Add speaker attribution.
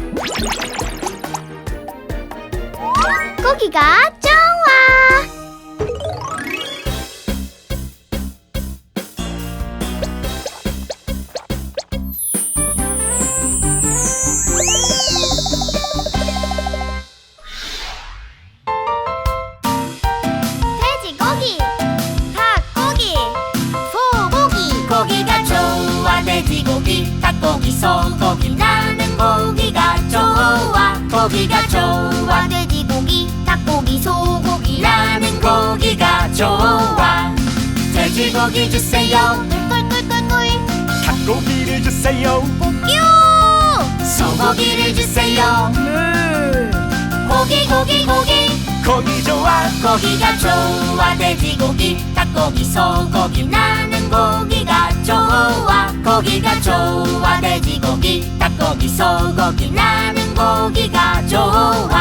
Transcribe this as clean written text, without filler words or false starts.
Speaker 1: 고기가 좋아. 돼지고기, 닭고기, 소고기.
Speaker 2: 고기가 좋아. 돼지고기, 닭고기, 소고기. 나는 고기가 좋아. 고기가 좋아.
Speaker 1: 돼지고기, 닭고기, 소고기.
Speaker 2: 나는 고기가 좋아. 돼지고기 주세요.
Speaker 1: 꿀꿀꿀꿀꿀.
Speaker 3: 닭고기를 주세요.
Speaker 1: 뀨.
Speaker 2: 소고기를 주세요. 고기 고기 고기.
Speaker 3: 고기 좋아.
Speaker 2: 고기가 좋아. 돼지고기, 닭고기, 소고기. 나는 고기가 좋아. 고기가 좋아. 돼지고기, 닭고기, 소고기. 나는 고기가 좋아.